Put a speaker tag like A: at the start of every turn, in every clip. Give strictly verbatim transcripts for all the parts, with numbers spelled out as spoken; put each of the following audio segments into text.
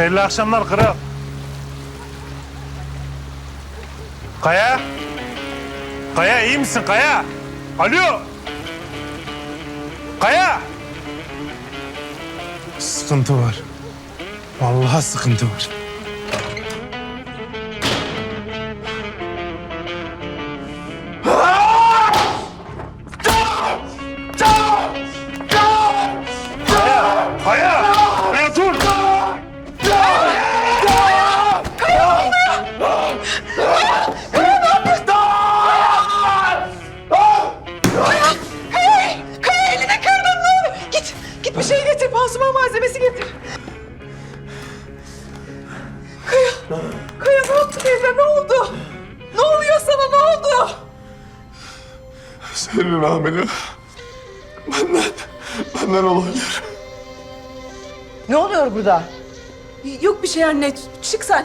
A: Hayırlı akşamlar kral. Kaya? Kaya iyi misin Kaya? Alo? Kaya? Sıkıntı var. Vallahi sıkıntı var. Kaya! Kaya! Kaya dur!
B: Kaya elini kırdın ne olur. Git, git bir şey getir. Pansuman malzemesi getir. Kaya, Kaya ne yaptı teyze? Ne oldu? Ne oluyor sana? Ne oldu?
C: Senin hamile. Benden, benden olabilir.
B: Ne oluyor burada? Yok bir şey anne. Çık sen.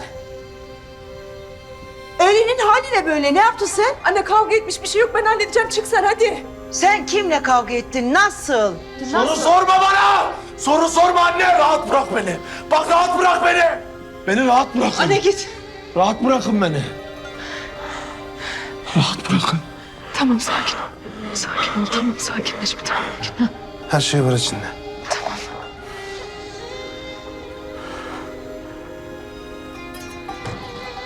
D: Elinin hali ne böyle? Ne yaptın sen?
B: Anne kavga etmiş bir şey yok. Ben halledeceğim. Çık sen hadi.
D: Sen kimle kavga ettin? Nasıl?
C: Soru sorma bana! Soru sorma anne! Rahat bırak beni! Bak rahat bırak beni! Beni rahat bırakın.
B: Anne git.
C: Rahat bırakın beni. Rahat bırakın.
B: Tamam sakin ol. Sakin ol tamam sakinleş bir tamam.
A: Her şey var içinde.